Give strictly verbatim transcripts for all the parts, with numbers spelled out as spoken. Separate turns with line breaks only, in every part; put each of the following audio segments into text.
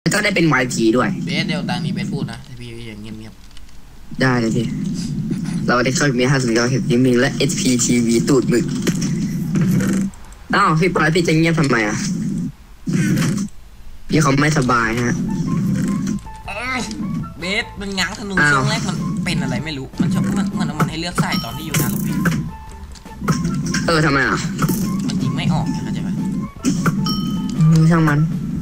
ก็ได้เป็น วาย พี ด้วย
เบสเดี๋ยวตอนนี้เบสพูดนะพี่อย่างเงียบ
ๆได้เลยพี่เราได้เข้ามีห้าสิบเก้าเห็นยิมิงและ เอช พี ที วี ตูดมึกอ้าวพี่ปอยพี่จะเงียบทำไมอ่ะพี่เขาไม่สบายฮะ
เบสมันง้างธนูช่วงแรกมันเป็นอะไรไม่รู้มันชอบมันมันมันให้เลือกใส่ตอนที่อยู่หน้าโรงเรียน
เออทำไมอ่ะ
มันยิงไม่ออกเข้าใจไหม
ช่างมัน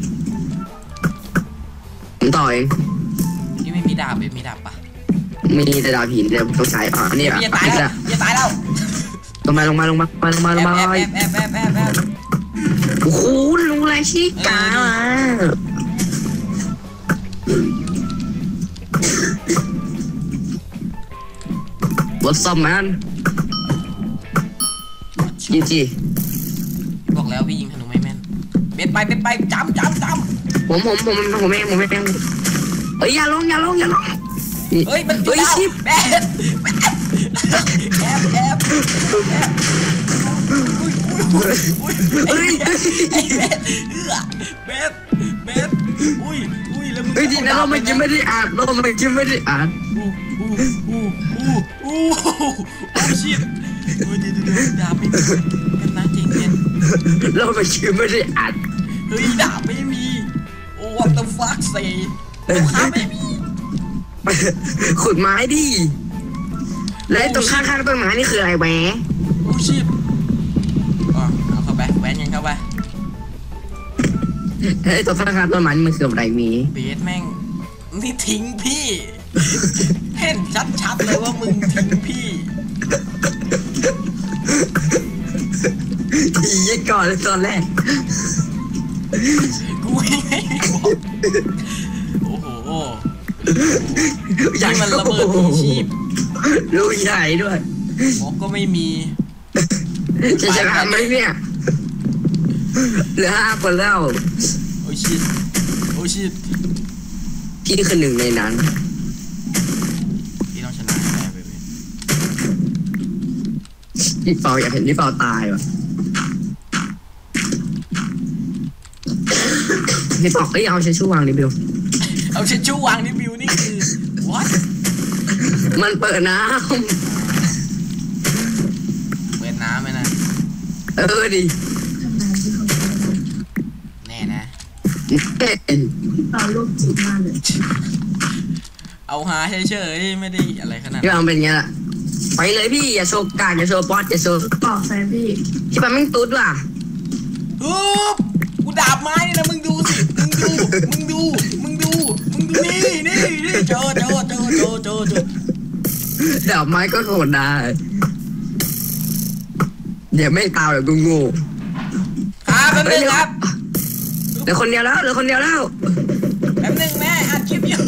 ผมต่อเอง
นี่ไม่มีดาบเบสมีดาบปะ
มีแต่ดาบหินเดี๋ยวต้องใช้อ่ะนี่อ่ะ
อย่าตายแล้วอย่าตายแล้ว
ลงมาลงมาลงมาลงมาลงมา
แอบแอบแอบแอบแอบ
โอ้โหลุงไรชิกาอ่ะWhat's up man จีจี
บอกแล้วพี่ยิงธนูไม่แม่นเบ็ดไปเบ็ดไปจำจำจ
ำผมผมผมผมเองผมเองเฮ้ยอย่าลงอย่าลงอย่าลง
เฮ้ยมันเฮ้ยชิบแอบแอบแอบแอบเฮ้ยเบ็ดเบ็ดอุ้ยอุ้ยแล้วมึง
เฮ้ยทีนั้นเราไม่กินไม่ได้อ่านเราไม่กินไม่ได้อ่าน
อู้อู้อู้อู้อู้อู้ชิบเฮ้ยเดี๋ยวเดี๋ยวดาบไม่มีเป็นนะจริงเย็น
เราไม่กินไม่ได้อ่าน
เฮ้ยดาบไม่มีโอ้ what the fuck ใส่ลูกค้าไม่มี
ขุดไม้ดิแล้วตรงข้างๆต้นไม้นี่คืออะไรแหวะ
โอ้ชิบอ๋อเอาเข้าไปแหวนยังเข้าไป
เฮ้ยตรงข้างๆต้นไม้นี่มันคืออะไรมี
เบสแม่งนี่ทิ้งพี่เห็นชัดๆเลยว่ามึงทิ้งพี่
ทียี่ก่อนเลยตอนแรก
กูไม่บอกโอ้โหนี่มันระเบิดชีพ
ลูกใหญ่ด้วย
บอกก็ไม่มี
จะชนะไหมเนี่ยเหลือห้าคนแล้ว
โอ้ชิตโอ้ชิต
พี่คือหนึ่งในนั้น
พี่ต้องชนะแน่เลย
พี่เปาอยากเห็นพี่เปาตายวะพี่เปาเอ้ยเอาเชชูวางดิบิว
เอาเชชูวางดิบิวนี่คือ what
มันเปิดน้
ำเปิดน้ำไหมนะ
เออดิ
แน่นะ
เอาลูกจิตมาเลย
เอาหาเฉยๆไม่ได้อะไรขนาด
พี่เอาเป็นไงล่ะไปเลยพี่อย่าโชว์กาอย่าโชว์ป๊อตอย่าโชว์ต่อแฟนพี่พี่ปั๊มไม่ตุ๊ดว่ะ
ฮึบกูดาบไม้นะมึงดูสิมึงดูมึงดูมึงดูมึงดูนี่นี่นี่เจอเจอเจอเจอเจอเจอ
ดาบไม้ก็โหดได้เดี๋ยวไม่ตายแบบกูงู
ครับแป๊บนึงครับ
เหลือคนเดียวแล้วเหลือคนเดียวแล้ว
แป๊บนึงแม่อัดคลิปอยู่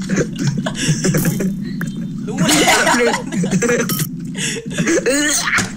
รู้แล้ว